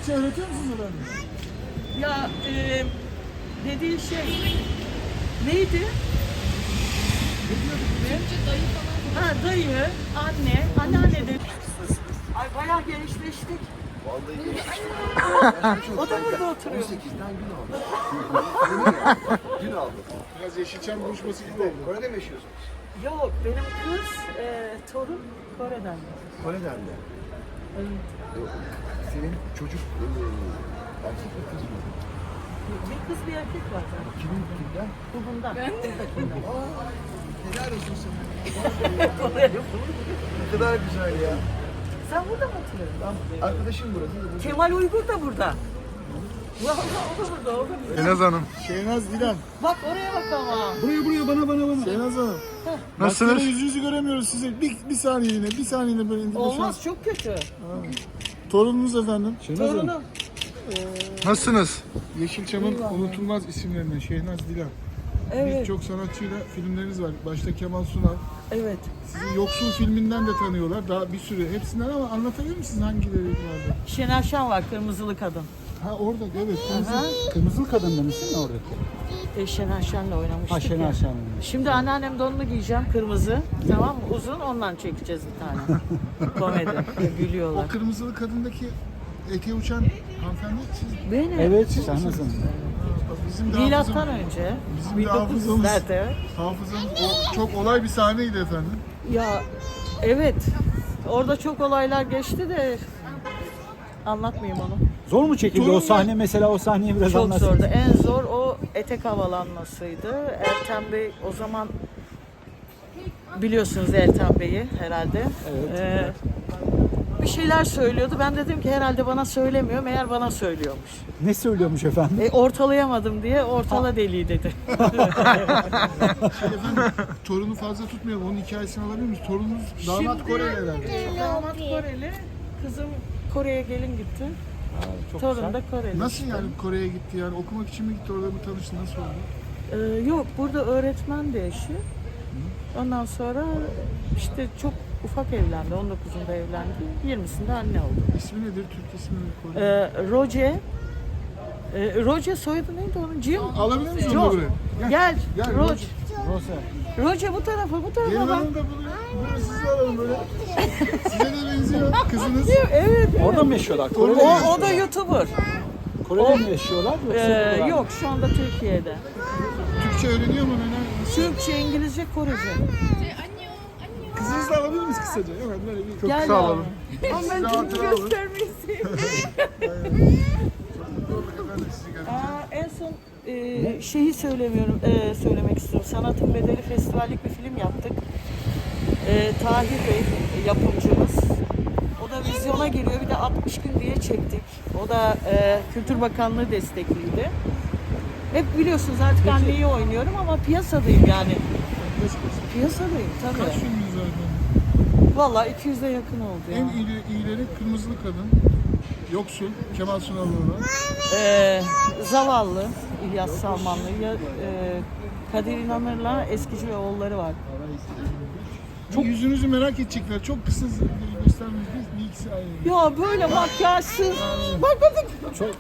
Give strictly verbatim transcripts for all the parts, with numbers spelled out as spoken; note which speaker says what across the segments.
Speaker 1: Türkçe öğretiyor musunuz efendim?
Speaker 2: Ya e, dediği şey neydi?
Speaker 3: Türkçe dayı falan.
Speaker 2: Ha, dayı, anne, anneanne de. Ay bayağı genişleştik.
Speaker 4: Vallahi geçti.
Speaker 2: O da burada oturuyor.
Speaker 4: on sekizden gün aldı. Gün aldı.
Speaker 1: Biraz Yeşilçam buluşması gibi oldu.
Speaker 4: Kore'de mi yaşıyorsunuz?
Speaker 2: Yok, benim kız, e, torun Kore'den.
Speaker 4: Kore'den de.
Speaker 2: Evet.
Speaker 4: Senin çocuk e, erkek mi kız mı?
Speaker 2: Bir kız bir erkek var zaten.
Speaker 4: Kimin kimden?
Speaker 2: Bu bundan. Buradakinden.
Speaker 4: Helal olsun sana.
Speaker 2: Kore'de bu.
Speaker 4: Ne kadar güzel ya.
Speaker 2: Sen burada mı oturuyorsun?
Speaker 4: Arkadaşım burası.
Speaker 2: Kemal Uygur da burada. Vallahi o da burada, o da burada.
Speaker 1: Şehnaz Hanım. Şehnaz Dilan.
Speaker 2: Bak oraya bak ama.
Speaker 1: Buraya buraya bana bana bana. Şehnaz Hanım. Nasılsınız? Yüzünüzü göremiyoruz size. Bir, bir saniyeliğine, bir saniyeliğine böyle indir.
Speaker 2: Olmaz, çok kötü.
Speaker 1: Torununuz efendim. Şehnaz Hanım.
Speaker 2: Torunum.
Speaker 1: Nasılsınız? Yeşilçam'ın unutulmaz isimlerinden Şehnaz Dilan.
Speaker 2: Evet,
Speaker 1: Birçok sanatçıyla filmleriniz var. Başta Kemal Sunal.
Speaker 2: evet.
Speaker 1: Sizi Yoksul filminden de tanıyorlar. Daha bir sürü hepsinden ama anlatabilir misiniz hangileri vardı?
Speaker 2: Şener Şen var, Kırmızılı Kadın.
Speaker 1: Ha orada evet.
Speaker 2: Aha.
Speaker 5: Kırmızılı kadın demişsin mi oradaki?
Speaker 2: E, Şener Şen'le oynamıştık
Speaker 5: Ha Şener
Speaker 2: ya.
Speaker 5: Şen.
Speaker 2: Şimdi anneannem donunu giyeceğim, kırmızı. Tamam mı? Uzun, ondan çekeceğiz bir tane. Komedi. Gülüyorlar.
Speaker 1: O kırmızılı kadındaki ete uçan hanımefendi siz.
Speaker 2: Benim.
Speaker 5: Evet Şehnaz Hanım.
Speaker 1: Bizim de
Speaker 2: Milattan
Speaker 1: hafızamız-
Speaker 2: önce.
Speaker 1: Bizim de
Speaker 2: bin dokuz
Speaker 1: hafızamız-
Speaker 2: yüzlerde.
Speaker 1: Hafızamız o çok olay bir sahneydi efendim.
Speaker 2: Ya evet. Orada çok olaylar geçti de anlatmayayım onu.
Speaker 5: Zor mu çekildi
Speaker 1: Torun
Speaker 5: o sahne mesela, o sahneyi biraz
Speaker 2: Çok
Speaker 5: anlatsın.
Speaker 2: zordu. En zor o etek havalanmasıydı. Ertem Bey o zaman biliyorsunuz Ertem Bey'i herhalde.
Speaker 5: Evet.
Speaker 2: Ee, bir şeyler söylüyordu. Ben dedim ki herhalde bana söylemiyor. Meğer bana söylüyormuş.
Speaker 5: Ne söylüyormuş efendim?
Speaker 2: E, ortalayamadım diye ortala deliği dedi.
Speaker 1: Şey efendim torunu fazla tutmayalım. Onun hikayesini alabilir miyiz? Torununuz damat
Speaker 2: Şimdi-
Speaker 1: Koreli herhalde.
Speaker 2: Damat Koreli. Kızım Kore'ye gelin gitti.
Speaker 5: Çok
Speaker 2: Torun
Speaker 5: güzel.
Speaker 2: da Koreli.
Speaker 1: Nasıl
Speaker 2: işte.
Speaker 1: yani Kore'ye gitti yani? Okumak için mi gitti, orada mı tanıştı, nasıl oldu?
Speaker 2: Ee, yok, burada öğretmen de eşi. Ondan sonra işte çok ufak evlendi. on dokuzunda evlendi. yirmisinde anne oldu.
Speaker 1: İsmi nedir? Türk ismi mi? Kore?
Speaker 2: Ee, Roce. Ee, Roce soyadı neydi onun? Jim?
Speaker 1: Alabilir misin
Speaker 2: Jo-
Speaker 1: onu buraya?
Speaker 2: Gel.
Speaker 1: Gel,
Speaker 2: Roce.
Speaker 1: Roce.
Speaker 5: Rosa.
Speaker 2: Roce bu tarafa, bu tarafa
Speaker 1: Gelin
Speaker 2: bak.
Speaker 1: hanım da bunu, bunu siz alalım böyle. Size de benziyor kızınız.
Speaker 2: Evet.
Speaker 5: Orada mı yaşıyorlar?
Speaker 2: O,
Speaker 5: Kore'de, mi?
Speaker 2: o da YouTuber.
Speaker 5: Kore'de mi yaşıyorlar yoksa
Speaker 2: Ee,
Speaker 5: buralar mı?
Speaker 2: yok, şu anda Türkiye'de.
Speaker 1: Türkçe öğreniyor mu neler?
Speaker 2: Türkçe, İngilizce, Korece.
Speaker 1: Kızınızı da alabilir miyiz kısaca? Hemen böyle bir çok
Speaker 2: Gel
Speaker 1: kısa
Speaker 2: yavrum.
Speaker 1: alalım.
Speaker 2: Ama ben
Speaker 1: Size
Speaker 2: çünkü
Speaker 1: hatıra alın.
Speaker 2: göstermeyi seviyorum.
Speaker 1: Ben de sizi göreceğim.
Speaker 2: Aa, en son e, şeyi söylemiyorum, e, söylemek istiyorum. Sanatın Bedeli Festivallik bir film yaptık. E, Tahir Bey e, yapımcımız. O da vizyona geliyor. Bir de altmış gün diye çektik. O da e, Kültür Bakanlığı destekliydi. Hep biliyorsunuz artık anneyi oynuyorum ama piyasadayım yani. Piyasadayım tabii.
Speaker 1: Kaç filminiz var efendim?
Speaker 2: Vallahi iki yüze yakın oldu ya.
Speaker 1: En iyi, iyileri Kırmızılı Kadın, Yoksul, Kemal Sunal'la olan.
Speaker 2: Ee, Zavallı, İlyas Salmanlı, ya, e, Kadir İnanır'la Eskici ve oğulları var.
Speaker 1: Çok yüzünüzü merak edecekler. Çok kısa göstermeyiz. Bir, bir ikisi ayrı.
Speaker 2: Ya böyle makyajsız. Bak bak bak.
Speaker 5: Çok...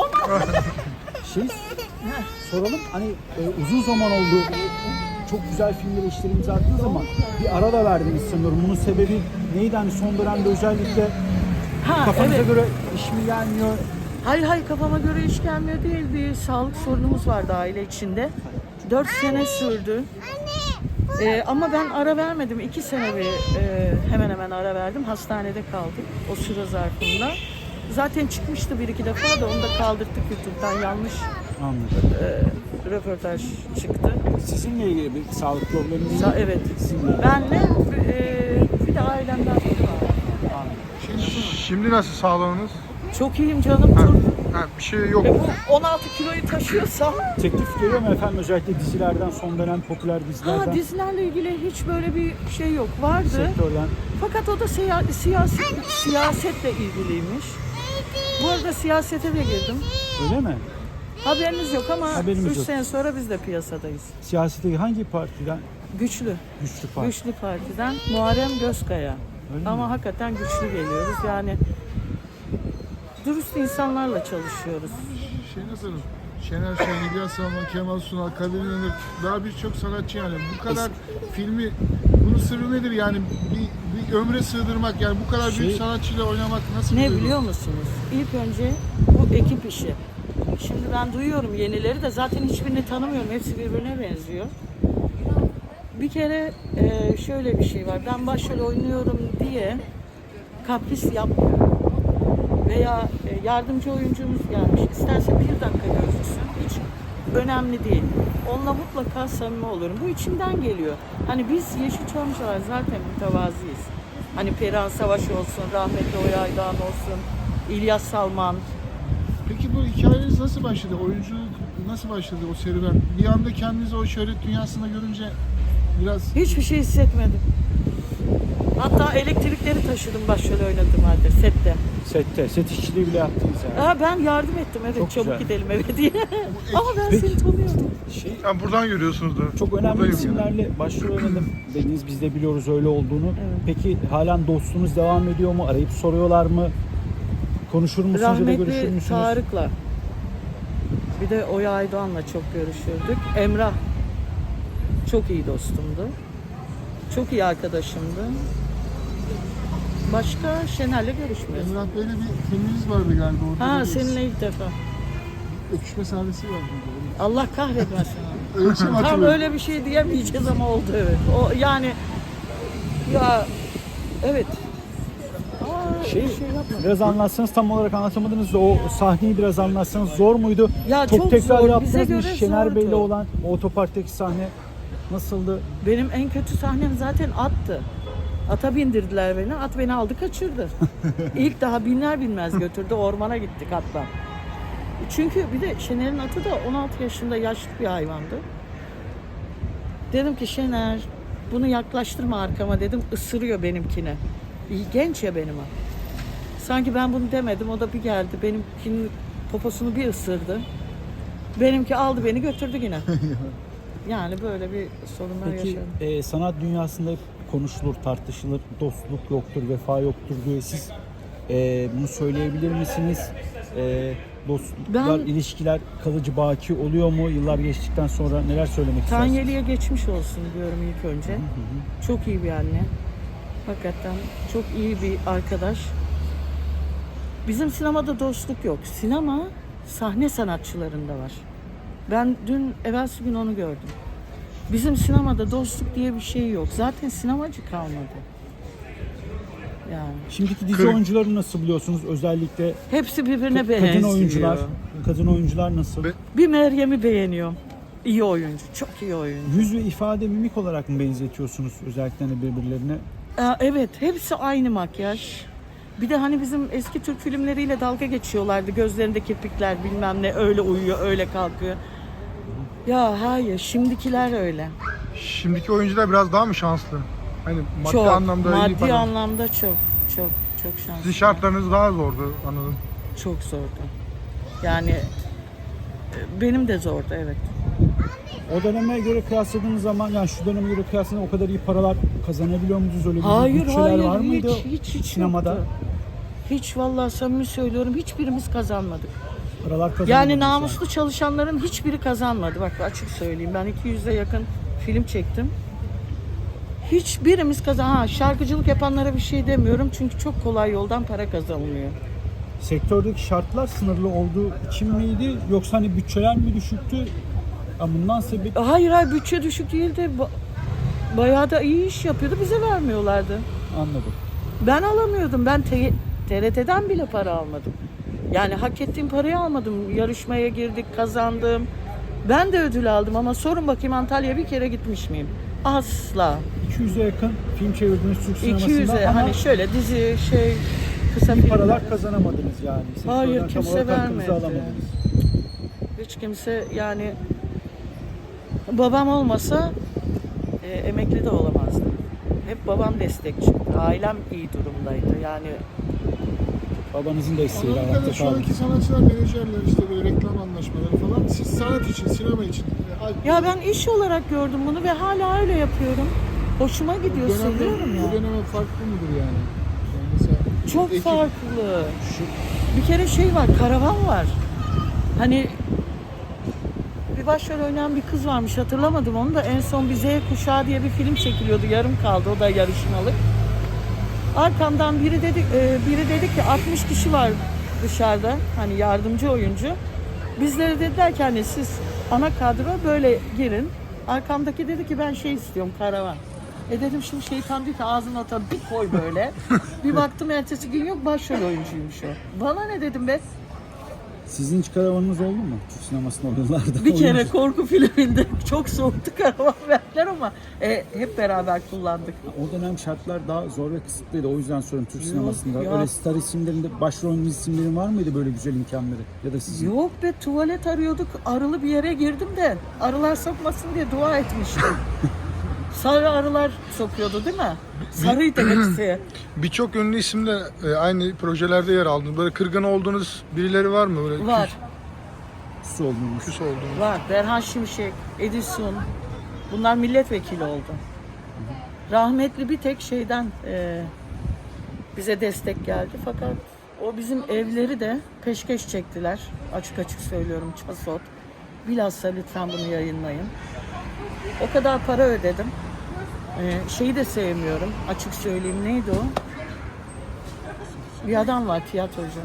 Speaker 5: şey soralım, hani e, uzun zaman oldu. Çok güzel filmlere işleri imza attığınız zaman bir ara da verdiniz sanıyorum. Bunun sebebi neydi? Hani son dönemde özellikle
Speaker 2: Ha,
Speaker 5: kafanıza
Speaker 2: evet.
Speaker 5: göre iş mi gelmiyor?
Speaker 2: Hayır hayır, kafama göre iş gelmiyor değil. Bir sağlık sorunumuz vardı aile içinde. Dört sene sürdü. Ee, ama ben ara vermedim. İki sene bir e, hemen hemen ara verdim. Hastanede kaldık o süre zarfında. Zaten çıkmıştı bir iki defa da onu da kaldırdık YouTube'dan. Yanlış
Speaker 5: Anladım.
Speaker 2: e, röportaj çıktı.
Speaker 5: Sizinle ilgili bir sağlık probleminiz
Speaker 2: Sa- evet.
Speaker 5: Sizinle.
Speaker 2: Benle e, bir de ailemden biri var.
Speaker 1: Şimdi nasıl sağlığınız?
Speaker 2: Çok iyiyim canım. Tur.
Speaker 1: Ha, bir şey yok.
Speaker 2: Ve bu on altı kiloyu taşıyorsam
Speaker 5: Teklif geliyor mu efendim, özellikle dizilerden, son dönem popüler dizilerden,
Speaker 2: ha, dizilerle ilgili hiç böyle bir şey yok. Vardı.
Speaker 5: sektörden?
Speaker 2: Fakat o da seya- siyaset, siyasetle ilgiliymiş. Bu arada siyasete de girdim.
Speaker 5: Öyle mi?
Speaker 2: Haberiniz yok ama
Speaker 5: Haberimiz
Speaker 2: üç
Speaker 5: yok.
Speaker 2: sene sonra biz de piyasadayız.
Speaker 5: Siyasete hangi partiden?
Speaker 2: Güçlü.
Speaker 5: Güçlü parti.
Speaker 2: Güçlü Parti'den Muharrem Gözkaya.
Speaker 5: Öyle
Speaker 2: Ama
Speaker 5: mi?
Speaker 2: hakikaten güçlü geliyoruz. Yani dürüst insanlarla çalışıyoruz.
Speaker 1: Şey nasıl? Şener Şen, İlyas Salman, Kemal Sunal, Kadir İnanır, daha birçok sanatçı yani. Bu kadar filmi, bunun sırrı nedir yani? Bir, bir ömre sığdırmak yani bu kadar büyük
Speaker 5: Şey-
Speaker 1: sanatçıyla oynamak nasıl bir
Speaker 2: Ne
Speaker 1: duygu?
Speaker 2: biliyor musunuz? İlk önce bu ekip işi. Şimdi ben duyuyorum yenileri de zaten hiçbirini tanımıyorum. Hepsi birbirine benziyor. Bir kere e, şöyle bir şey var. Ben başrol oynuyorum diye kapris yapmıyorum. Veya e, yardımcı oyuncumuz gelmiş. İsterse bir dakika gözüksün. Hiç önemli değil. Onunla mutlaka samimi olurum. Bu içimden geliyor. Hani biz Yeşilçamcılar zaten mütevazıyız. Hani Perihan Savaş olsun, rahmetli Oya Aydoğan olsun, İlyas Salman.
Speaker 1: Peki bu hikayeniz nasıl başladı? Oyunculuk nasıl başladı o serüven? Bir anda kendinizi o şöhret dünyasında görünce biraz...
Speaker 2: Hiçbir şey hissetmedim. Hatta elektrikleri taşıdım başrol oynadığım halde sette.
Speaker 5: Sette, set işçiliği bile yaptınız yani.
Speaker 2: Ha, ben yardım ettim evet
Speaker 5: Çok
Speaker 2: çabuk
Speaker 5: güzel.
Speaker 2: gidelim eve diye. Ama ben
Speaker 5: Peki.
Speaker 2: seni tanıyorum.
Speaker 5: Şey,
Speaker 1: Yani buradan görüyorsunuz da.
Speaker 5: çok önemli
Speaker 1: Buradayım yani.
Speaker 5: isimlerle başrol oynadım dediniz, biz de biliyoruz öyle olduğunu.
Speaker 2: Evet.
Speaker 5: Peki halen dostluğunuz devam ediyor mu? Arayıp soruyorlar mı? Konuşur musunuz ya da görüşür
Speaker 2: Rahmetli
Speaker 5: müsünüz?
Speaker 2: Tarık'la bir de Oya Aydoğan'la çok görüşürdük. Emrah çok iyi dostumdu. Çok iyi arkadaşımdı. Başka Şener'le görüşmüyoruz.
Speaker 1: Emrah Bey'le bir filminiz vardı galiba. Orada da
Speaker 2: Ha
Speaker 1: bir
Speaker 2: seninle ilk defa.
Speaker 1: öpüşme sahnesi vardı.
Speaker 2: Allah kahretmesin.
Speaker 1: Öyle bir şey mi
Speaker 2: Tam
Speaker 1: hatırlıyorum?
Speaker 2: öyle bir şey diyemeyeceğiz ama oldu evet. O yani ya evet. Aa,
Speaker 5: Şey,
Speaker 2: bir şey yapma.
Speaker 5: biraz anlatsanız, tam olarak anlatamadınız da o sahneyi biraz anlatsanız. Zor muydu?
Speaker 2: Ya
Speaker 5: çok,
Speaker 2: çok
Speaker 5: tekrar
Speaker 2: zor,
Speaker 5: yaptınız
Speaker 2: bize
Speaker 5: mı?
Speaker 2: göre
Speaker 5: Şener
Speaker 2: zordu.
Speaker 5: Bey'le olan o otoparktaki sahne nasıldı?
Speaker 2: Benim en kötü sahnem zaten attı. Ata bindirdiler beni. At beni aldı kaçırdı. İlk daha binler binmez götürdü. Ormana gittik atla. Çünkü bir de Şener'in atı da on altı yaşında yaşlı bir hayvandı. Dedim ki Şener bunu yaklaştırma arkama dedim. Isırıyor benimkine. İyi, genç ya benim at. Sanki ben bunu demedim. O da bir geldi. Benimkinin poposunu bir ısırdı. Benimki aldı beni götürdü yine. Yani böyle bir sorunlar
Speaker 5: Peki
Speaker 2: yaşadım.
Speaker 5: e, sanat dünyasında hep konuşulur, tartışılır, dostluk yoktur, vefa yoktur diye siz e, bunu söyleyebilir misiniz? E, dostluklar,
Speaker 2: Ben-
Speaker 5: ilişkiler kalıcı, baki oluyor mu? Yıllar geçtikten sonra neler söylemek istersiniz?
Speaker 2: Tanyeli'ye geçmiş olsun diyorum ilk önce. Çok iyi bir anne. Hakikaten çok iyi bir arkadaş. Bizim sinemada dostluk yok. Sinema sahne sanatçılarında var. Ben dün evvelsi gün onu gördüm. Bizim sinemada dostluk diye bir şey yok. Zaten sinemacı kalmadı. Yani
Speaker 5: Şimdiki dizi
Speaker 1: Kırk-
Speaker 5: oyuncuları nasıl biliyorsunuz? Özellikle
Speaker 2: hepsi birbirine
Speaker 5: ka-
Speaker 2: benziyor.
Speaker 5: kadın oyuncular, kadın oyuncular nasıl?
Speaker 1: Be-
Speaker 2: Bir Meryem'i beğeniyorum. İyi oyuncu, çok iyi oyuncu.
Speaker 5: Yüz ve ifade, mimik olarak mı benzetiyorsunuz özellikle hani birbirlerine?
Speaker 2: Aa, evet, hepsi aynı makyaj. Bir de hani bizim eski Türk filmleriyle dalga geçiyorlardı. Gözlerinde kirpikler bilmem ne öyle uyuyor, öyle kalkıyor. Ya hayır, şimdikiler öyle.
Speaker 3: Şimdiki oyuncular biraz daha mı şanslı? Hani maddi
Speaker 2: çok,
Speaker 3: anlamda iyi
Speaker 2: maddi
Speaker 3: para.
Speaker 2: anlamda çok, çok, çok şanslı.
Speaker 3: Sizin şartlarınız daha zordu anladım.
Speaker 2: Çok zordu. Yani e, benim de zordu, evet.
Speaker 5: O döneme göre kıyasladığınız zaman, yani şu döneme göre kıyasladığınız o kadar iyi paralar kazanabiliyor musunuz? Öyle bir
Speaker 2: Hayır,
Speaker 5: bütçeler
Speaker 2: hayır,
Speaker 5: var
Speaker 2: hiç,
Speaker 5: mıydı
Speaker 2: hiç, hiç
Speaker 5: sinemada?
Speaker 2: yoktu. Hiç vallahi samimi söylüyorum, hiçbirimiz kazanmadık.
Speaker 5: Paralar kazanamadınız
Speaker 2: Yani namuslu çalışanların hiçbiri kazanmadı. Bak açık söyleyeyim. Ben iki yüze yakın film çektim. Hiçbirimiz kazan. Ha, şarkıcılık yapanlara bir şey demiyorum. Çünkü çok kolay yoldan para kazanılıyor.
Speaker 5: Sektördeki şartlar sınırlı olduğu için miydi? Yoksa hani bütçeler mi düşüktü? Ya bundan sebep
Speaker 2: Hayır hayır bütçe düşük değildi. Ba- Bayağı da iyi iş yapıyordu. Bize vermiyorlardı.
Speaker 5: anladım.
Speaker 2: Ben alamıyordum. Ben T- TRT'den bile para almadım. Yani hak ettiğim parayı almadım. Yarışmaya girdik, kazandım. Ben de ödül aldım ama sorun bakayım Antalya'ya bir kere gitmiş miyim? Asla.
Speaker 5: iki yüze yakın film çevirdiniz Türk sinemasında
Speaker 2: iki yüze
Speaker 5: ama
Speaker 2: hani şöyle dizi şey kısa
Speaker 5: iyi
Speaker 2: filmler.
Speaker 5: paralar kazanamadınız yani. Sektörden
Speaker 2: Hayır,
Speaker 5: tam
Speaker 2: kimse
Speaker 5: olarak hakkınızı
Speaker 2: vermedi.
Speaker 5: alamadınız.
Speaker 2: Hiç kimse yani babam olmasa e, emekli de olamazdım. Hep babam destekçi. Ailem iyi durumdaydı. Yani
Speaker 5: Babanızın desteğiyle
Speaker 1: Anladığım
Speaker 5: ayakta
Speaker 1: kadarıyla şu
Speaker 5: kaldınız.
Speaker 1: anki sanatçılar, menajerler işte böyle reklam anlaşmaları falan. Siz sanat için, sinema için. e,
Speaker 2: ya ben iş olarak gördüm bunu ve hala öyle yapıyorum. Hoşuma gidiyor,
Speaker 1: bu dönemde,
Speaker 2: seviyorum ya.
Speaker 1: bu döneme farklı mıdır yani? Yani mesela
Speaker 2: Çok
Speaker 1: ekip-
Speaker 2: farklı.
Speaker 5: Şu
Speaker 2: bir kere şey var, karavan var. Hani bir başrol oynayan bir kız varmış, hatırlamadım onu da. En son bir Z Kuşağı diye bir film çekiliyordu, yarım kaldı, o da yarışmalık. Arkamdan biri dedi, e, biri dedi ki altmış kişi var dışarıda, hani yardımcı oyuncu. Bizlere dediler ki hani siz ana kadro böyle girin. Arkamdaki dedi ki ben şey istiyorum, karavan. E dedim şimdi şeytan diyor ki ağzına atar bir koy böyle. Bir baktım ertesi gün yok, başrol oyuncuymuş o. Bana ne dedim be?
Speaker 5: Sizin hiç karavanınız oldu mu? Türk sinemasında o yıllarda.
Speaker 2: Bir kere
Speaker 5: Oyuncu.
Speaker 2: korku filminde çok soğuktu, karavan verdiler ama e, hep beraber kullandık.
Speaker 5: O dönem şartlar daha zor ve kısıtlıydı. O yüzden soruyorum Türk sinemasında.
Speaker 2: ya.
Speaker 5: Öyle star isimlerinde, başrol isimlerin var mıydı böyle güzel imkanları? Ya da sizin?
Speaker 2: Yok be, tuvalet arıyorduk, arılı bir yere girdim de arılar sokmasın diye dua etmiştim. Sarı arılar sokuyordu değil mi? Sarıydı hepsi.
Speaker 3: Birçok ünlü isimle e, aynı projelerde yer aldınız. Böyle kırgın olduğunuz birileri var mı? Böyle
Speaker 2: Var,
Speaker 5: Küs oldunuz.
Speaker 3: küs olduğunuz.
Speaker 2: var. Berhan Şimşek, Edison. Bunlar milletvekili oldu. Rahmetli bir tek şeyden e, bize destek geldi. Fakat o bizim evleri de peşkeş çektiler. Açık açık söylüyorum, Çasot. Bilhassa lütfen bunu yayınlayın. O kadar para ödedim. Ee, şeyi de sevmiyorum. Açık söyleyeyim, neydi o? Bir adam var, tiyatrocu.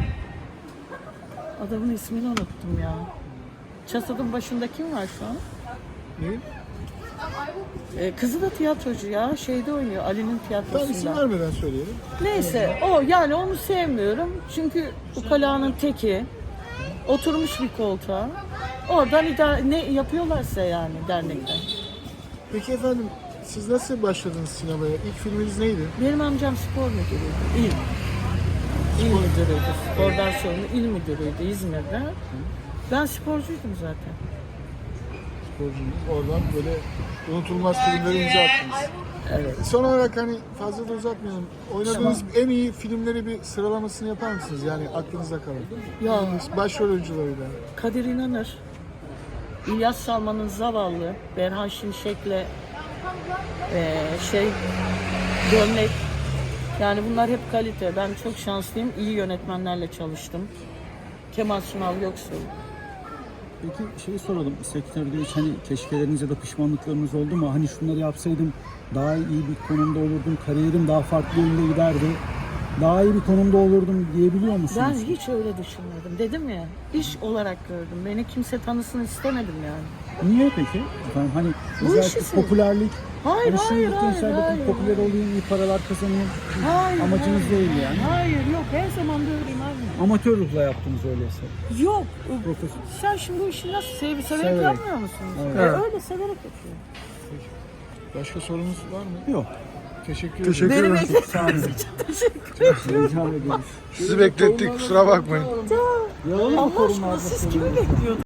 Speaker 2: Adamın ismini unuttum ya. Çasot'un başında kim var şu an?
Speaker 1: Ne?
Speaker 2: Ee, kızı da tiyatrocu ya. Şeyde oynuyor, Ali'nin
Speaker 1: Tamam, isim
Speaker 2: tiyatrosunda.
Speaker 1: vermeden söyleyelim.
Speaker 2: Neyse o, yani onu sevmiyorum. Çünkü ukalanın teki. Oturmuş bir koltuğa. Oradan idare, ne yapıyorlarsa yani dernekten.
Speaker 1: Peki efendim, siz nasıl başladınız sinemaya? İlk filminiz neydi?
Speaker 2: Benim amcam spor müdürüydü. İl. İl müdürüydü. Spordan sorumlu il müdürüydü İzmir'de. Ben sporcuydum zaten.
Speaker 1: Sporcunuz. Oradan böyle unutulmaz filmleri imza attınız.
Speaker 2: Evet.
Speaker 1: Son olarak hani fazla da uzatmayalım. Oynadığınız en iyi filmleri bir sıralamasını yapar mısınız? Yani aklınızda kalan.
Speaker 2: Ya
Speaker 1: Başrol oyuncularıyla.
Speaker 2: Kadir İnanır, İlyas Salman'ın Zavallı, Berhan Şimşek'le eee şey Gömlek. Yani bunlar hep kalite. Ben çok şanslıyım. İyi yönetmenlerle çalıştım. Kemal Sunal Göksu.
Speaker 5: Peki şeyi soralım. Sektörde hiç hani keşkeleriniz ya da pişmanlıklarınız oldu mu? Hani şunları yapsaydım daha iyi bir konumda olurdum. Kariyerim daha farklı yönde giderdi. Daha iyi bir konumda olurdum diyebiliyor musunuz?
Speaker 2: Ben hiç öyle düşünmedim. Dedim ya, iş olarak gördüm. Beni kimse tanısın istemedim yani.
Speaker 5: Niye peki? Efendim hani
Speaker 2: Bu
Speaker 5: özellikle
Speaker 2: işi
Speaker 5: popülerlik,
Speaker 2: Hayır,
Speaker 5: hani
Speaker 2: hayır,
Speaker 5: şimdiki
Speaker 2: hayır,
Speaker 5: gençler bakın
Speaker 2: hayır.
Speaker 5: popüler olayım, iyi paralar kazanayım.
Speaker 2: Hayır,
Speaker 5: Amacınız
Speaker 2: hayır.
Speaker 5: değil yani.
Speaker 2: Hayır, yok. Her zaman böyleyim abi.
Speaker 5: Amatör ruhla yaptınız öyleyse.
Speaker 2: Yok.
Speaker 5: Profesyonel.
Speaker 2: Sen şimdi bu işi nasıl sev severek,
Speaker 5: Severek.
Speaker 2: yapmıyor musunuz?
Speaker 5: Evet.
Speaker 2: E, öyle severek yapıyorum.
Speaker 1: Başka sorunuz var mı?
Speaker 5: Yok.
Speaker 1: Teşekkür
Speaker 3: Teşekkür
Speaker 1: ederim.
Speaker 2: Benim
Speaker 3: ederim.
Speaker 2: ekmeğim için teşekkür ederim.
Speaker 5: Rica ederiz.
Speaker 3: Sizi beklettik, kusura bakmayın.
Speaker 5: Yalan mı
Speaker 2: Allah
Speaker 5: korunmaz
Speaker 2: aşkına siz kimi bekliyordunuz?